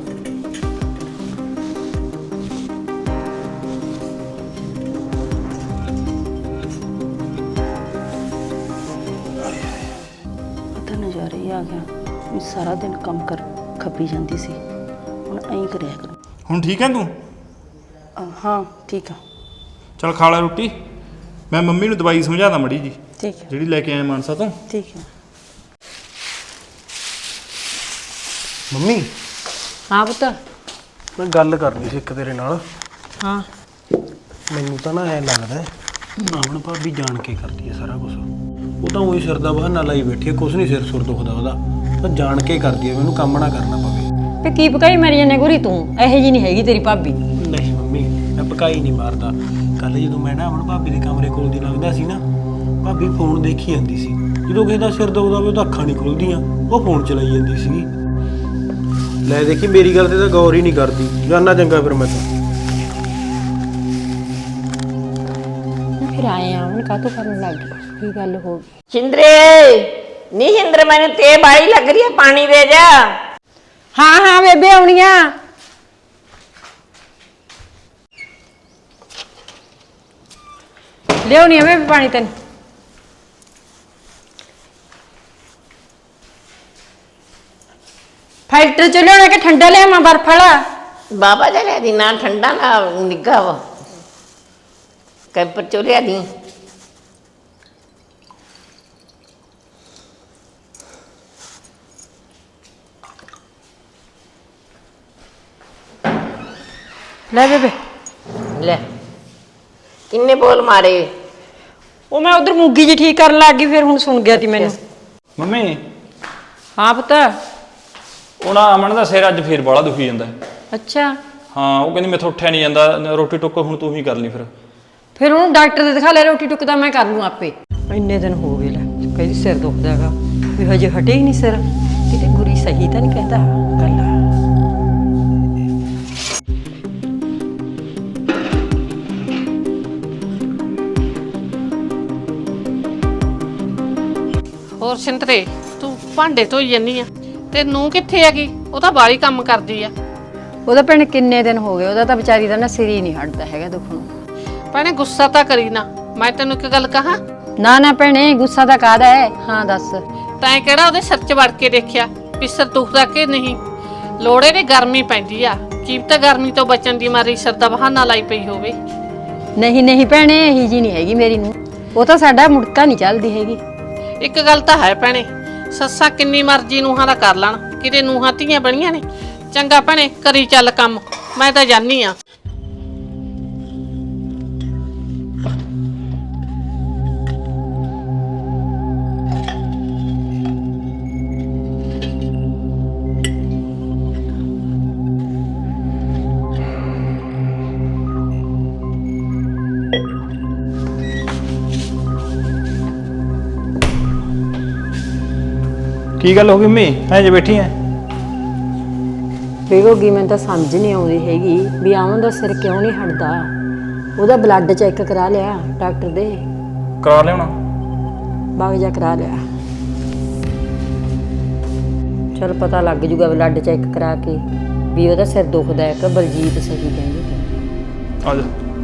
Speaker 2: ਪਤਾ ਨਜ਼ਾਰਾ ਹੀ ਆ ਗਿਆ ਵੀ ਸਾਰਾ ਦਿਨ ਕੰਮ ਕਰ ਖੱਪੀ ਜਾਂਦੀ ਸੀ, ਹੁਣ ਐਂ ਕਰਿਆ ਕਰ।
Speaker 7: ਹੁਣ ਠੀਕ ਹੈ ਤੂੰ?
Speaker 2: ਹਾਂ ਠੀਕ ਆ।
Speaker 7: ਚੱਲ ਖਾ ਲੈ ਰੋਟੀ। ਮੈਂ ਮੰਮੀ ਨੂੰ ਦਵਾਈ ਸਮਝਾਦਾ ਮੜੀ ਜੀ,
Speaker 2: ਠੀਕ ਹੈ
Speaker 7: ਜਿਹੜੀ ਲੈ ਕੇ ਆਇਆ ਮਾਨਸਾ ਤੋਂ।
Speaker 2: ਠੀਕ ਹੈ।
Speaker 6: ਮੰਮੀ
Speaker 4: ਹਾਂ ਪੁੱਤ।
Speaker 6: ਮੈਂ ਗੱਲ ਕਰਨੀ ਸੀ ਇੱਕ ਤੇਰੇ ਨਾਲ।
Speaker 4: ਹਾਂ
Speaker 6: ਮੈਨੂੰ ਤਾਂ ਨਾ ਐਂ ਲੱਗਦਾ ਆਮਣ ਭਾਬੀ ਜਾਣ ਕੇ ਕਰਦੀ ਹੈ ਸਾਰਾ ਕੁਝ। ਉਹ ਤਾਂ ਉਹੀ ਸਿਰ ਦਾ ਬਹਾਨਾ ਲਾਈ ਬੈਠੀ ਹੈ, ਕੁਛ ਨਹੀਂ ਸਿਰ ਸੁਰ ਦੁਖਦਾ ਉਹਦਾ, ਤਾਂ ਜਾਣ ਕੇ ਕਰਦੀ ਹੈ, ਮੈਨੂੰ ਕੰਮ ਨਾ ਕਰਨਾ ਪਵੇ।
Speaker 4: ਤੇ ਕੀ ਪਕਾਈ ਮਾਰੀ ਜਾਂਦੇ ਗੁਰੀ ਤੂੰ? ਇਹੋ ਜੀ ਨਹੀਂ ਹੈਗੀ ਤੇਰੀ ਭਾਬੀ।
Speaker 6: ਨਹੀਂ ਮੰਮੀ ਮੈਂ ਪਕਾਈ ਨਹੀਂ ਮਾਰਦਾ। ਕੱਲ ਜਦੋਂ ਮੈਂ ਨਾ ਆਮਣ ਭਾਬੀ ਦੇ ਕਮਰੇ ਕੋਲ ਦੀ ਲੰਘਦਾ ਸੀ ਨਾ, ਭਾਬੀ ਫੋਨ ਦੇਖੀ ਜਾਂਦੀ ਸੀ। ਜਦੋਂ ਕਿਸੇ ਦਾ ਸਿਰ ਦੁਖਦਾ ਹੋਵੇ ਤਾਂ ਅੱਖਾਂ ਨਹੀਂ ਖੁੱਲਦੀਆਂ, ਉਹ ਫੋਨ ਚਲਾਈ ਜਾਂਦੀ ਸੀ। ਲੈ ਦੇਖੀ ਮੇਰੀ ਗੱਲ ਤੇ ਤਾਂ ਗੌਰ ਹੀ ਨਹੀਂ ਕਰਦੀ। ਜਾਨਾ ਚੰਗਾ ਫਿਰ ਮੈਂ ਤਾਂ।
Speaker 4: ਫਿਰ ਆਏ ਆ ਹੁਣ ਕਾਹਤੋਂ ਕਰਨ ਲੱਗ ਗਈ? ਕੀ ਗੱਲ ਹੋ ਗਈ?
Speaker 3: ਸਿੰਦਰੇ ਨਹੀਂ ਸਿੰਦਰ, ਮੈਨੂੰ ਤੇ ਬਾਈ ਲੱਗ ਰਹੀ ਹੈ, ਪਾਣੀ ਦੇ ਜਾ।
Speaker 4: ਹਾਂ ਹਾਂ ਬੇਬੇ ਆਉਣੀਆਂ। ਲਿਆਉਣੀ ਆ ਬੇਬੇ ਪਾਣੀ ਤੈਨੂੰ। ਫਿਲਟਰ ਚ ਲਿਆਉਣਾ ਕਿ ਠੰਡਾ ਲਿਆਵਾਂ ਬਰਫ ਵਾਲਾ?
Speaker 3: ਬਾਬਾ ਜੀ ਲਿਆ ਦੀ, ਨਾ ਠੰਡਾ ਨਾ ਨਿੱਘਾ ਵਾ। ਕੈਂਪਰ ਚੋਂ ਲਿਆ ਦੀ।
Speaker 4: ਲੈ ਬੇਬੇ
Speaker 3: ਲੈ ਕਿੰਨੇ ਬੋਲ ਮਾਰੇ।
Speaker 4: ਉਹ ਮੈਂ ਉਧਰ ਮੂੰਗੀ ਜੀ ਠੀਕ ਕਰਨ ਲੱਗ ਗਈ, ਫਿਰ ਹੁਣ ਸੁਣ ਗਿਆ ਤੀ ਮੈਨੂੰ।
Speaker 7: ਮੰਮੀ
Speaker 4: ਹਾਂ ਪੁੱਤ।
Speaker 7: ਉਹ ਨਾ ਅਮਨ ਦਾ ਸਿਰ ਅੱਜ ਫੇਰ ਬਾਲਾ ਦੁਖੀ ਜਾਂਦਾ।
Speaker 4: ਅੱਛਾ,
Speaker 7: ਹਾਂ ਉਹ ਕਹਿੰਦੀ ਮੈਥੋਂ ਉੱਠਿਆ ਨਹੀਂ ਜਾਂਦਾ, ਰੋਟੀ ਟੁੱਕ ਹੁਣ ਤੂੰ ਹੀ ਕਰ ਲਈ ਫਿਰ।
Speaker 4: ਫਿਰ ਉਹਨੂੰ ਡਾਕਟਰ ਦੇ ਦਿਖਾ ਲੈ, ਰੋਟੀ ਟੁੱਕ ਤਾਂ ਮੈਂ ਕਰ ਲੂੰ ਆਪੇ। ਇੰਨੇ ਦਿਨ ਹੋ ਗਏ ਲੈ, ਕਹਿੰਦੀ ਸਿਰ ਦੁਖਦਾ ਹੈਗਾ, ਵੀ ਹਜੇ ਹਟੇ ਹੀ ਨਹੀਂ ਸਿਰ। ਕਿਤੇ ਗੁਰੀ ਸਹੀ ਤਾਂ ਨਹੀਂ ਕਹਿੰਦਾ ਗੱਲ।
Speaker 5: ਹੋਰ ਸਿੰਦਰੇ ਤੂੰ ਭਾਂਡੇ ਧੋਈ ਜੰਨੀ ਆ ਤੇ ਨੂੰ ਕਿੱਥੇ ਹੈਗੀ? ਉਹ ਤਾਂ ਬਾਹਲੀ ਕੰਮ ਕਰਦੀ ਆ।
Speaker 4: ਉਹਦਾ ਭੈਣੇ ਕਿੰਨੇ ਦਿਨ ਹੋ ਗਏ, ਉਹਦਾ ਤਾਂ ਵਿਚਾਰੀ ਦਾ ਨਾ ਸਿਰ ਹੀ ਨਹੀਂ ਹਟਦਾ ਹੈਗਾ ਦੁਖਣੋਂ।
Speaker 5: ਭੈਣੇ ਗੁੱਸਾ ਤਾਂ ਕਰੀ ਨਾ, ਮੈਂ ਤੈਨੂੰ ਇੱਕ ਗੱਲ ਕਹਾਂ।
Speaker 4: ਨਾ ਨਾ ਭੈਣੇ, ਗੁੱਸਾ ਤਾਂ ਕਾਹਦਾ ਹੈ? ਹਾਂ ਦੱਸ।
Speaker 5: ਤੈਂ ਕਿਹੜਾ ਉਹਦੇ ਸਿਰ 'ਚ ਵੜ ਕੇ ਦੇਖਿਆ ਵੀ ਸਿਰ ਦੁਖਦਾ ਕਿ ਨਹੀਂ? ਲੋੜੇ ਦੀ ਗਰਮੀ ਪੈਂਦੀ ਆ, ਕੀਪ ਤਾਂ ਗਰਮੀ ਤੋਂ ਬਚਣ ਦੀ ਮਾਰੀ ਸਿਰ ਦਾ ਬਹਾਨਾ ਲਾਈ ਪਈ ਹੋਵੇ।
Speaker 4: ਨਹੀਂ ਨਹੀਂ ਭੈਣੇ, ਇਹੀ ਜੀ ਨਹੀਂ ਹੈਗੀ ਮੇਰੀ ਨੂੰ। ਉਹ ਤਾਂ ਸਾਡਾ ਮੁੜਕਾ ਨਹੀਂ ਚੱਲਦੀ ਹੈਗੀ।
Speaker 5: ਇੱਕ ਗੱਲ ਤਾਂ ਹੈ ਭੈਣੇ, ਸੱਸਾਂ ਕਿੰਨੀ ਮਰਜ਼ੀ ਨੂੰਹਾਂ ਦਾ ਕਰ ਲੈਣ, ਕਿਤੇ ਨੂੰਹਾਂ ਧੀਆਂ ਬਣੀਆਂ ਨੇ। ਚੰਗਾ ਭੈਣੇ, ਕਰੀ ਚੱਲ ਕੰਮ, ਮੈਂ ਤਾਂ ਜਾਨੀ ਆ।
Speaker 7: ਕੀ ਗੱਲ ਹੋ ਗਈ ਮੰਮੀ, ਐਂ ਜੇ ਬੈਠੀ ਐ?
Speaker 4: ਬੇਗੋਗੀ ਮੈਨੂੰ ਤਾਂ ਸਮਝ ਨਹੀਂ ਆਉਂਦੀ ਹੈਗੀ ਵੀ ਆਮਨ ਦਾ ਸਿਰ ਕਿਉਂ ਨਹੀਂ ਹਟਦਾ। ਉਹਦਾ ਬਲੱਡ ਚੈੱਕ ਕਰਾ ਲਿਆ ਡਾਕਟਰ ਦੇ?
Speaker 7: ਕਰਾ ਲਿਆਉਣਾ।
Speaker 4: ਬਾਗ ਜਾ ਕਰਾ ਲਿਆ, ਚਲ ਪਤਾ ਲੱਗ ਜੂਗਾ ਬਲੱਡ ਚੈੱਕ ਕਰਾ ਕੇ ਵੀ ਉਹਦਾ ਸਿਰ ਦੁਖਦਾ ਹੈ ਕਿ ਬਲਜੀਤ ਸਹੀ ਕਹਿੰਦੀ ਸੀ।
Speaker 7: ਆ ਜਾ।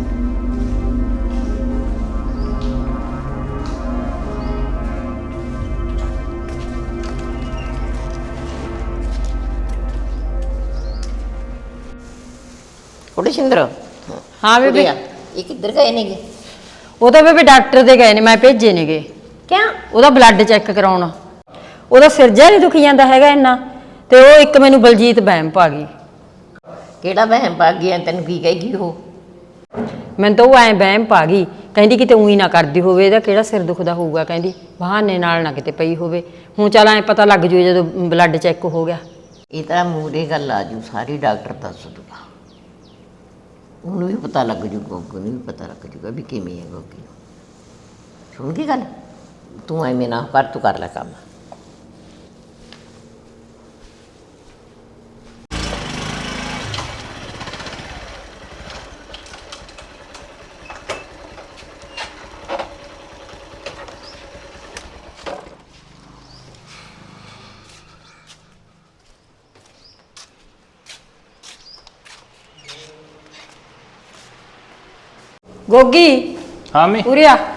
Speaker 3: ਕੁੜੇ ਸਿੰਦਰ।
Speaker 4: ਹਾਂ ਬੇਬੇ।
Speaker 3: ਇਹ ਕਿੱਧਰ ਗਏ ਨੇਗੇ?
Speaker 4: ਉਹ ਤਾਂ ਬੇਬੇ ਡਾਕਟਰ ਦੇ ਗਏ ਨੇ, ਮੈਂ ਭੇਜੇ ਨੇਗੇ।
Speaker 3: ਕਿਉਂ?
Speaker 4: ਉਹਦਾ ਬਲੱਡ ਚੈੱਕ ਕਰਾਉਣਾ। ਉਹਦਾ ਸਿਰ ਜਿਹਾ ਨਹੀਂ ਦੁਖੀ ਜਾਂਦਾ ਹੈਗਾ ਇੰਨਾ, ਤੇ ਉਹ ਇੱਕ ਮੈਨੂੰ ਬਲਜੀਤ ਵਹਿਮ ਪਾ ਗਈ।
Speaker 3: ਕਿਹੜਾ ਵਹਿਮ ਪਾ ਗਿਆ? ਤੈਨੂੰ ਕੀ ਕਹੇਗੀ ਉਹ?
Speaker 4: ਮੈਨੂੰ ਤਾਂ ਉਹ ਐਂ ਵਹਿਮ ਪਾ ਗਈ, ਕਹਿੰਦੀ ਕਿਤੇ ਉਹੀ ਨਾ ਕਰਦੀ ਹੋਵੇ, ਇਹਦਾ ਕਿਹੜਾ ਸਿਰ ਦੁਖਦਾ ਹੋਊਗਾ, ਕਹਿੰਦੀ ਬਹਾਨੇ ਨਾਲ ਨਾ ਕਿਤੇ ਪਈ ਹੋਵੇ। ਹੁਣ ਚੱਲ ਐਂ ਪਤਾ ਲੱਗ ਜੂ ਜਦੋਂ ਬਲੱਡ ਚੈੱਕ ਹੋ ਗਿਆ।
Speaker 3: ਇਹ ਤਾਂ ਮੂਹਰੇ ਗੱਲ ਆ ਜੂ, ਸਾਰੀ ਡਾਕਟਰ ਦੱਸ ਦੂਗਾ। ਉਹਨੂੰ ਵੀ ਪਤਾ ਲੱਗ ਜੂ, ਗੋਗੀ ਨੂੰ ਵੀ ਪਤਾ ਲੱਗ ਜੂਗਾ ਵੀ ਕਿਵੇਂ ਹੈ ਗੋਗੀ। ਸੁਣ ਗਈ ਗੱਲ? ਤੂੰ ਐਵੇਂ ਨਾ ਕਰ, ਤੂੰ ਕਰ ਲੈ ਕੰਮ।
Speaker 4: ਗੋਗੀ
Speaker 7: ਹਾਂ ਮੰਮੀ।
Speaker 4: ਉਰੇ ਆ।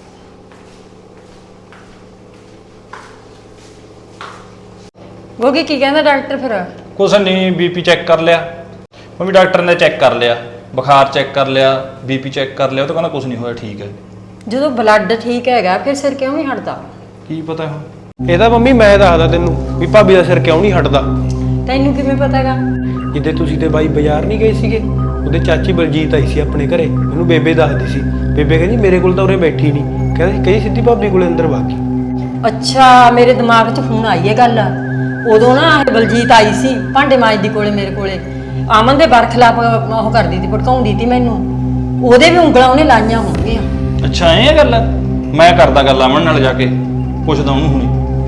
Speaker 4: ਗੋਗੀ ਕੀ ਕਹਿੰਦਾ ਡਾਕਟਰ ਫਿਰ?
Speaker 7: ਕੁਛ ਨਹੀਂ, ਬੀਪੀ ਚੈੱਕ ਕਰ ਲਿਆ ਮੰਮੀ, ਡਾਕਟਰ ਨੇ ਚੈੱਕ ਕਰ ਲਿਆ, ਬੁਖਾਰ ਚੈੱਕ ਕਰ ਲਿਆ, ਬੀਪੀ ਚੈੱਕ ਕਰ ਲਿਆ, ਉਹ ਤਾਂ ਕਹਿੰਦਾ ਕੁਛ ਨਹੀਂ ਹੋਇਆ, ਠੀਕ ਹੈ।
Speaker 4: ਜਦੋਂ ਬਲੱਡ ਠੀਕ ਹੈਗਾ ਫਿਰ ਸਿਰ ਕਿਉਂ ਨਹੀਂ ਹਟਦਾ?
Speaker 7: ਕੀ ਪਤਾ ਹੁਣ।
Speaker 6: ਇਹ ਤਾਂ ਮੰਮੀ ਮੈਂ ਦੱਸਦਾ ਤੈਨੂੰ ਵੀ ਭਾਬੀ ਦਾ ਸਿਰ ਕਿਉਂ ਨਹੀਂ ਹਟਦਾ।
Speaker 4: ਤੈਨੂੰ ਕਿਵੇਂ ਪਤਾਗਾ?
Speaker 6: ਜਿੱਦੇ ਤੁਸੀਂ ਤੇ ਬਾਈ ਬਾਜ਼ਾਰ ਨਹੀਂ ਗਏ ਸੀਗੇ, ਉਹਦੇ ਚਾਚੀ ਬਲਜੀਤ ਆਈ ਸੀ ਆਪਣੇ ਘਰੇ, ਉਹਨੂੰ ਬੇਬੇ ਦੱਸਦੀ ਸੀ। ਬੇਬੇ ਕਹਿੰਦੀ ਮੇਰੇ ਕੋਲ ਤਾਂ ਉਰੇ ਬੈਠੀ ਨਹੀਂ, ਕਹਿੰਦੀ ਸਿੱਧੀ ਭਾਬੀ ਕੋਲੇ ਅੰਦਰ ਬਾਕੀ।
Speaker 4: ਅੱਛਾ, ਮੇਰੇ ਦਿਮਾਗ 'ਚ ਹੁਣ ਆਈ ਹੈ ਗੱਲ। ਉਦੋਂ ਨਾ ਇਹ ਬਲਜੀਤ ਆਈ ਸੀ ਭਾਂਡੇ ਮਾਂਜਦੀ ਕੋਲੇ ਮੇਰੇ ਕੋਲੇ, ਅਮਨ ਦੇ ਬਰਖਲਾਫ ਉਹ ਕਰਦੀ ਸੀ, ਭੜਕਾਉਂਦੀ ਸੀ ਮੈਨੂੰ। ਉਹਦੇ ਵੀ ਉਂਗਲਾਂ ਉਹਨੇ ਲਾਈਆਂ ਹੋਣਗੀਆਂ।
Speaker 7: ਅੱਛਾ ਐਂ ਇਹ ਗੱਲ ਹੈ? ਮੈਂ ਕਰਦਾ ਗੱਲ ਅਮਨ ਨਾਲ ਜਾ ਕੇ, ਪੁੱਛਦਾ ਉਹਨੂੰ ਹੁਣੀ।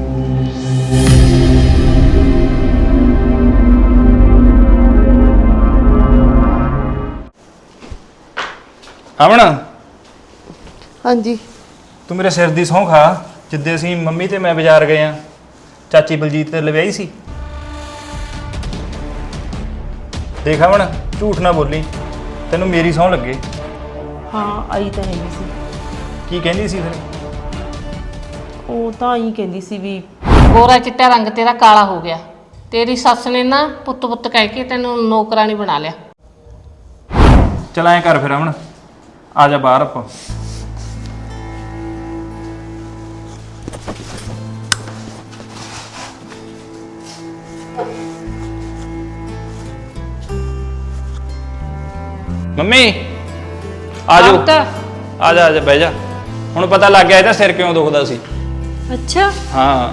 Speaker 7: ਅਮਨ।
Speaker 8: ਹਾਂਜੀ।
Speaker 7: ਤੂੰ ਮੇਰੇ ਸਿਰ ਦੀ ਸਹੁੰ ਖਾ, ਜਿੱਦੇ ਅਸੀਂ ਮੰਮੀ ਤੇ ਮੈਂ ਬਾਜ਼ਾਰ ਗਏ ਆ, ਚਾਚੀ ਬਲਜੀਤ ਤੇ ਲਵਿਆਈ ਸੀ। ਦੇਖ ਅਮਨ, ਝੂਠ ਨਾ ਬੋਲੀ, ਤੈਨੂੰ ਮੇਰੀ ਸਹੁੰ ਲੱਗੇ।
Speaker 2: ਹਾਂ ਆਈ ਤਾਂ ਹੈਗੀ ਸੀ।
Speaker 7: ਕੀ ਕਹਿੰਦੀ ਸੀ ਫਿਰ?
Speaker 2: ਉਹ ਤਾਂ ਹੀ ਕਹਿੰਦੀ ਸੀ ਵੀ
Speaker 5: ਗੋਰਾ ਚਿੱਟਾ ਰੰਗ ਤੇਰਾ ਕਾਲਾ ਹੋ ਗਿਆ। ਤੇਰੀ ਸੱਸ ਨੇ ਨਾ ਪੁੱਤ ਪੁੱਤ ਕਹਿ ਕੇ ਤੈਨੂੰ ਨੌਕਰਾਨੀ ਬਣਾ ਲਿਆ।
Speaker 7: ਚਲ ਐਂ ਕਰ ਫਿਰ ਅਮਨ, ਆ ਜਾ ਬਾਹਰ ਆਪਾਂ। ਮੰਮੀ ਆ ਜਾਓ
Speaker 4: ਪੁੱਤ।
Speaker 7: ਆ ਜਾ ਬਹਿ ਜਾ। ਹੁਣ ਪਤਾ ਲੱਗ ਗਿਆ ਇਹਦਾ ਸਿਰ ਕਿਉਂ ਦੁਖਦਾ ਸੀ।
Speaker 4: ਅੱਛਾ,
Speaker 7: ਹਾਂ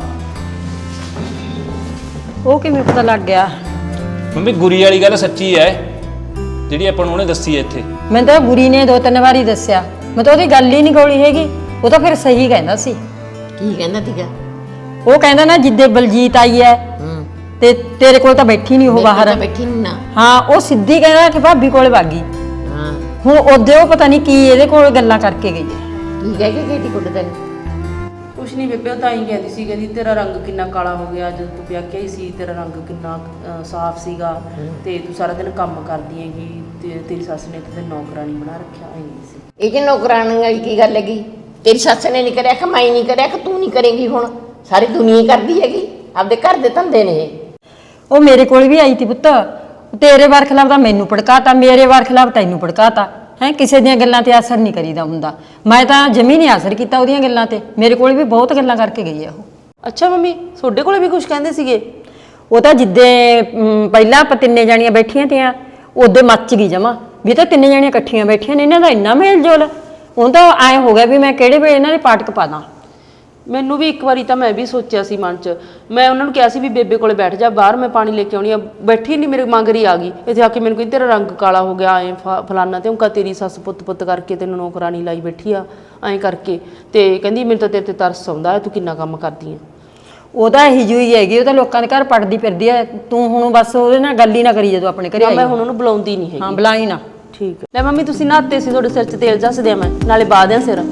Speaker 4: ਉਹ ਕਿਵੇਂ ਪਤਾ ਲੱਗ ਗਿਆ?
Speaker 7: ਮੰਮੀ ਗੁਰੀ ਵਾਲੀ ਗੱਲ ਸੱਚੀ ਹੈ ਜਿਹੜੀ ਆਪਾਂ ਨੂੰ ਉਹਨੇ ਦੱਸੀ ਹੈ ਇੱਥੇ।
Speaker 4: ਮੈਨੂੰ ਤਾਂ ਗੁਰੀ ਨੇ 2-3 ਵਾਰੀ ਦੱਸਿਆ, ਮੈਂ ਤਾਂ ਉਹਦੀ ਗੱਲ ਹੀ ਨਹੀਂ ਗੋਲੀ ਹੈਗੀ। ਉਹ ਤਾਂ ਫਿਰ ਸਹੀ ਕਹਿੰਦਾ ਸੀ।
Speaker 3: ਕੀ ਕਹਿੰਦਾ ਤੀਗਾ?
Speaker 4: ਉਹ ਕਹਿੰਦਾ ਨਾ ਜਿੱਦੇ ਬਲਜੀਤ ਆਈ ਹੈ ਤੇ ਤੇਰੇ ਕੋਲ ਤਾਂ ਬੈਠੀ ਨਹੀਂ ਉਹ ਬਾਹਰ।
Speaker 3: ਬੈਠੀ ਨਹੀਂ ਨਾ।
Speaker 4: ਹਾਂ, ਉਹ ਸਿੱਧੀ ਕਹਿੰਦਾ ਕਿ ਭਾਬੀ ਕੋਲ ਭਾਗੀ।
Speaker 3: ਹਾਂ,
Speaker 4: ਹੁਣ ਉਹਦੇ ਉਹ ਪਤਾ ਨਹੀਂ ਕੀ ਇਹਦੇ ਕੋਲ ਗੱਲਾਂ ਕਰਕੇ ਗਈ ਹੈ।
Speaker 3: ਕੀ ਕਹਿ ਕੇ ਗਈ ਕੁੱਟ ਤੈਨੂੰ?
Speaker 2: ਕੁਛ ਨਹੀਂ ਬੇਬੇ, ਉਹ ਤਾਂ ਹੀ ਕਹਿੰਦੀ ਸੀ, ਕਹਿੰਦੀ ਤੇਰਾ ਰੰਗ ਕਿੰਨਾ ਕਾਲਾ ਹੋ ਗਿਆ ਜਦੋਂ ਤੂੰ ਵਿਆਹ ਕੇ ਆਈ ਸੀ, ਤੇਰਾ ਰੰਗ ਕਿੰਨਾ ਸਾਫ਼ ਸੀਗਾ ਤੇ ਤੂੰ ਸਾਰਾ ਦਿਨ ਕੰਮ ਕਰਦੀ ਹੈਗੀ ਤੇ ਤੇਰੀ ਸੱਸ ਨੇ ਤੇ ਨੌਕਰਾਨੀ ਬਣਾ ਰੱਖਿਆ ਆਈ ਸੀ।
Speaker 3: ਇਹ ਜੇ ਨੌਕਰਾਨੀ ਵਾਲੀ ਕੀ ਗੱਲ ਹੈਗੀ? ਤੇਰੀ ਸੱਸ ਨੇ ਨਹੀਂ ਕਰਿਆ ਕਿ ਮੈਂ ਨਹੀਂ ਕਰਿਆ ਕਿ ਤੂੰ ਨਹੀਂ ਕਰੇਂਗੀ? ਹੁਣ ਸਾਰੀ ਦੁਨੀਆ ਹੀ ਕਰਦੀ ਹੈਗੀ, ਆਪਦੇ ਘਰ ਦੇ ਧੰਦੇ ਨੇ ਇਹ।
Speaker 4: ਉਹ ਮੇਰੇ ਕੋਲ ਵੀ ਆਈ ਤੀ ਪੁੱਤ, ਤੇਰੇ ਵਾਰ ਖਿਲਾਫ ਤਾਂ ਮੈਨੂੰ ਭੜਕਾਤਾ, ਮੇਰੇ ਵਾਰ ਖਿਲਾਫ ਤੈਨੂੰ ਭੜਕਾਤਾ ਹੈ। ਕਿਸੇ ਦੀਆਂ ਗੱਲਾਂ ਤੇ ਅਸਰ ਨਹੀਂ ਕਰੀਦਾ ਹੁੰਦਾ। ਮੈਂ ਤਾਂ ਜਮੀ ਨਹੀਂ ਅਸਰ ਕੀਤਾ ਉਹਦੀਆਂ ਗੱਲਾਂ ਤੇ। ਮੇਰੇ ਕੋਲ ਵੀ ਬਹੁਤ ਗੱਲਾਂ ਕਰਕੇ ਗਈ ਆ ਉਹ।
Speaker 2: ਅੱਛਾ ਮੰਮੀ, ਤੁਹਾਡੇ ਕੋਲੇ ਵੀ ਕੁਝ ਕਹਿੰਦੇ ਸੀਗੇ?
Speaker 4: ਉਹ ਤਾਂ ਜਿੱਦੇ ਪਹਿਲਾਂ ਆਪਾਂ ਤਿੰਨੇ ਜਾਣੀਆਂ ਬੈਠੀਆਂ ਤੀਆਂ, ਉਹਦੇ ਮੱਚ ਗਈ ਜਮਾ ਵੀ ਤਾਂ ਤਿੰਨੇ ਜਾਣੀਆਂ ਇਕੱਠੀਆਂ ਬੈਠੀਆਂ ਨੇ, ਇਹਨਾਂ ਦਾ ਇੰਨਾ ਮੇਲ ਜੋਲ। ਉਹ ਤਾਂ ਐਂ ਹੋ ਗਿਆ ਵੀ ਮੈਂ ਕਿਹੜੇ ਵੇਲੇ ਇਹਨਾਂ ਦੇ ਪਾਟਕ ਪਾ ਦਾਂ।
Speaker 2: ਮੈਨੂੰ ਵੀ ਇੱਕ ਵਾਰੀ ਤਾਂ ਮੈਂ ਵੀ ਸੋਚਿਆ ਸੀ ਮਨ 'ਚ, ਮੈਂ ਉਹਨਾਂ ਨੂੰ ਕਿਹਾ ਸੀ ਵੀ ਬੇਬੇ ਕੋਲੇ ਬੈਠ ਜਾ, ਬਾਹਰ ਮੈਂ ਪਾਣੀ ਲੈ ਕੇ ਆਉਣੀ ਆ। ਬੈਠੀ ਨਹੀਂ, ਮੇਰੇ ਮੰਗਰੀ ਆ ਗਈ ਇੱਥੇ ਆ ਕੇ ਮੈਨੂੰ ਕਹਿੰਦੀ ਤੇਰਾ ਰੰਗ ਕਾਲਾ ਹੋ ਗਿਆ, ਐਂ ਫਲਾਨਾ ਤੇ ਉਨਕਾ ਤੇਰੀ ਸੱਸ ਪੁੱਤ ਕਰਕੇ ਤੈਨੂੰ ਨੌਕਰਾਨੀ ਲਾਈ ਬੈਠੀ ਆ ਐਂ ਕਰਕੇ। ਤੇ ਕਹਿੰਦੀ ਮੈਨੂੰ ਤਾਂ ਤੇਰੇ ਤੇ ਤਰਸ ਆਉਂਦਾ, ਤੂੰ ਕਿੰਨਾ ਕੰਮ ਕਰਦੀ ਆ।
Speaker 4: ਉਹਦਾ ਇਹੀ ਜਿਹੀ ਹੈਗੀ, ਉਹ ਤਾਂ ਲੋਕਾਂ ਦੇ ਘਰ ਪੜਦੀ ਫਿਰਦੀ ਹੈ। ਤੂੰ ਹੁਣ ਬਸ ਉਹਦੇ ਨਾਲ ਗੱਲ ਹੀ ਨਾ ਕਰੀ ਜਦੋਂ ਆਪਣੇ ਘਰੇ ਆਈ।
Speaker 2: ਮੈਂ ਹੁਣ ਉਹਨੂੰ ਬੁਲਾਉਂਦੀ ਨਹੀਂ ਹੈਗੀ।
Speaker 4: ਹਾਂ, ਬੁਲਾਈ ਨਾ।
Speaker 2: ਠੀਕ ਹੈ। ਲੈ ਮੰਮੀ, ਤੁਸੀਂ ਨਹਾਤੇ ਸੀ, ਤੁਹਾਡੇ ਸਿਰ 'ਚ ਤੇਲ ਜੱਸ ਦਿਆਂ ਮੈਂ, ਨਾਲੇ ਬਾਹ ਦਿਆਂ ਸਿਰ।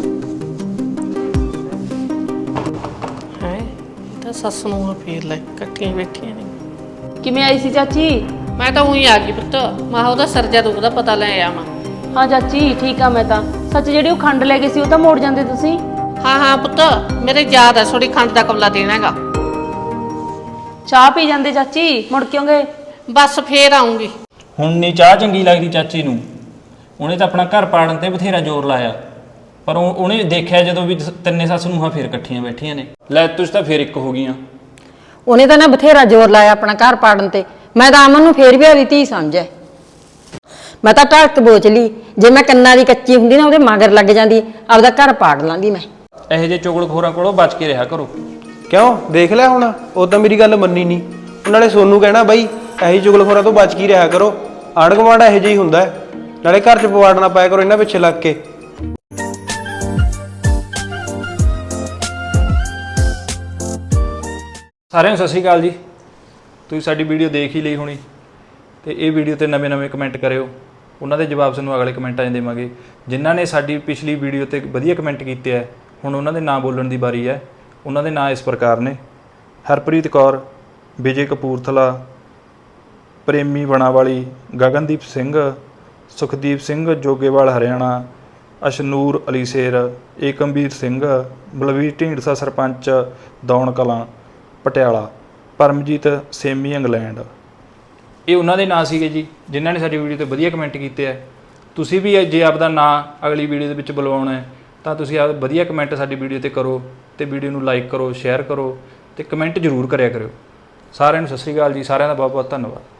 Speaker 5: ਹੈ ਤਾਂ ਸੱਸ ਨੂੰ ਫੇਰ ਲੈ ਇਕੱਠੀਆਂ ਬੈਠੀਆਂ ਨੇ।
Speaker 2: ਕਿਵੇਂ ਆਈ ਸੀ ਚਾਚੀ?
Speaker 5: ਮੈਂ ਤਾਂ ਉਹੀ ਆ ਗਈ ਪੁੱਤ, ਮਾਂ ਉਹਦਾ ਸਰਜਾ ਦੁਖਦਾ ਪਤਾ ਲੈ ਆਵਾਂ।
Speaker 2: ਹਾਂ ਚਾਚੀ ਠੀਕ ਆ ਮੈਂ ਤਾਂ। ਸੱਚ ਜਿਹੜੀ ਉਹ ਖੰਡ ਲੈ ਗਏ ਸੀ ਉਹ ਤਾਂ ਮੋੜ ਜਾਂਦੇ ਤੁਸੀਂ।
Speaker 5: ਹਾਂ ਹਾਂ ਪੁੱਤ, ਮੇਰੇ ਯਾਦ ਆ ਥੋੜੀ ਖੰਡ ਦਾ ਕਬਲਾ ਦੇਣਾ ਹੈਗਾ।
Speaker 2: ਚਾਹ ਪੀ ਜਾਂਦੇ ਚਾਚੀ, ਮੁੜ ਕਿਉਂ ਗਏ?
Speaker 5: ਬਸ ਫੇਰ ਆਉਂਗੀ।
Speaker 7: ਹੁਣ ਨਹੀਂ ਚਾਹ ਚੰਗੀ ਲੱਗਦੀ ਚਾਚੀ ਨੂੰ। ਉਹਨੇ ਤਾਂ ਆਪਣਾ ਘਰ ਪਾੜਨ ਤੇ ਬਥੇਰਾ ਜ਼ੋਰ ਲਾਇਆ, ਪਰ ਉਹਨੇ ਦੇਖਿਆ ਜਦੋਂ ਵੀ ਤਿੰਨੇ ਸੱਸ ਨੂੰਹਾਂ ਫੇਰ ਇਕੱਠੀਆਂ ਬੈਠੀਆਂ ਨੇ, ਲੈ ਤੁਸੀਂ ਤਾਂ ਫੇਰ ਇੱਕ ਹੋ ਗਈਆਂ।
Speaker 4: ਉਹਨੇ ਤਾਂ ਨਾ ਬਥੇਰਾ ਜ਼ੋਰ ਲਾਇਆ ਆਪਣਾ ਘਰ ਪਾੜਨ ਤੇ। ਮੈਂ ਤਾਂ ਅਮਨ ਨੂੰ ਫੇਰ ਵੀ ਉਹਦੀ ਧੀ ਸਮਝਿਆ। ਮੈਂ ਤਾਂ ਢੱਕ ਬੋਚ ਲਈ, ਜੇ ਮੈਂ ਕੰਨਾਂ ਦੀ ਕੱਚੀ ਹੁੰਦੀ ਨਾ ਉਹਦੇ ਮਗਰ ਲੱਗ ਜਾਂਦੀ, ਆਪਦਾ ਘਰ ਪਾੜ ਲਾਂਦੀ ਮੈਂ।
Speaker 7: ਇਹੋ ਜਿਹੇ ਚੁਗਲਖੋਰਾਂ ਕੋਲੋਂ ਬਚ ਕੇ ਰਿਹਾ ਕਰੋ।
Speaker 6: ਕਿਉਂ ਦੇਖ ਲਿਆ ਹੁਣ, ਉਹ ਤਾਂ ਮੇਰੀ ਗੱਲ ਮੰਨੀ ਨਹੀਂ। ਨਾਲੇ ਸੋਨੂੰ ਕਹਿਣਾ ਬਾਈ ਇਹੀ ਚੁਗਲਖੋਰਾਂ ਤੋਂ ਬਚ ਕੇ ਰਿਹਾ ਕਰੋ। ਆਂਢ ਗੁਆਂਢ ਇਹੋ ਜਿਹਾ ਹੀ ਹੁੰਦਾ ਹੈ। ਨਾਲੇ ਘਰ 'ਚ ਪਵਾੜ ਨਾ ਪਾਇਆ ਕਰੋ ਇਹਨਾਂ ਪਿੱਛੇ ਲੱਗ ਕੇ।
Speaker 7: ਸਾਰਿਆਂ ਨੂੰ ਸਤਿ ਸ਼੍ਰੀ ਅਕਾਲ ਜੀ। ਤੁਸੀਂ ਸਾਡੀ ਵੀਡੀਓ ਦੇਖ ਹੀ ਲਈ ਹੋਣੀ ਤੇ ਇਹ ਵੀਡੀਓ ਤੇ ਨਵੇਂ ਕਮੈਂਟ ਕਰਿਓ, ਉਹਨਾਂ ਦੇ ਜਵਾਬ ਸਾਨੂੰ ਅਗਲੇ ਕਮੈਂਟਾਂ 'ਚ ਦੇਵਾਂਗੇ। ਜਿਨ੍ਹਾਂ ਨੇ ਸਾਡੀ ਪਿਛਲੀ ਵੀਡੀਓ ਤੇ ਵਧੀਆ ਕਮੈਂਟ ਕੀਤੇ ਹੈ, ਹੁਣ ਉਹਨਾਂ ਦੇ ਨਾਂ ਬੋਲਣ ਦੀ ਵਾਰੀ ਹੈ। ਉਹਨਾਂ ਦੇ ਨਾਂ ਇਸ ਪ੍ਰਕਾਰ ਨੇ: ਹਰਪ੍ਰੀਤ ਕੌਰ, ਵਿਜੇ ਕਪੂਰਥਲਾ, ਪ੍ਰੇਮੀ ਬਣਾਵਾਲੀ, ਗਗਨਦੀਪ ਸਿੰਘ, ਸੁਖਦੀਪ ਸਿੰਘ ਜੋਗੇਵਾਲ ਹਰਿਆਣਾ, ਅਸ਼ਨੂਰ ਅਲੀ ਸ਼ੇਰ, ਏਕਮਵੀਰ ਸਿੰਘ, ਬਲਵੀਰ ਢੀਂਡਸਾ ਸਰਪੰਚ ਦੌਣ ਕਲਾਂ ਪਟਿਆਲਾ, ਪਰਮਜੀਤ ਸੇਮੀ ਇੰਗਲੈਂਡ। ਇਹ ਉਹਨਾਂ ਦੇ ਨਾਂ ਸੀਗੇ ਜੀ ਜਿਨ੍ਹਾਂ ਨੇ ਸਾਡੀ ਵੀਡੀਓ ਤੇ ਵਧੀਆ ਕਮੈਂਟ ਕੀਤੇ ਹੈ। ਤੁਸੀਂ ਵੀ ਜੇ ਆਪਦਾ ਨਾਂ ਅਗਲੀ ਵੀਡੀਓ ਦੇ ਵਿੱਚ ਬੁਲਵਾਉਣਾ ਹੈ ਤਾਂ ਤੁਸੀਂ ਆਪ ਵਧੀਆ ਕਮੈਂਟ ਸਾਡੀ ਵੀਡੀਓ ਤੇ ਕਰੋ ਤੇ ਵੀਡੀਓ ਨੂੰ ਲਾਈਕ ਕਰੋ, ਸ਼ੇਅਰ ਕਰੋ ਤੇ ਕਮੈਂਟ ਜ਼ਰੂਰ ਕਰਿਆ ਕਰਿਓ। ਸਾਰਿਆਂ ਨੂੰ ਸਤਿ ਸ਼੍ਰੀ ਅਕਾਲ ਜੀ। ਸਾਰਿਆਂ ਦਾ ਬਹੁਤ ਬਹੁਤ ਧੰਨਵਾਦ।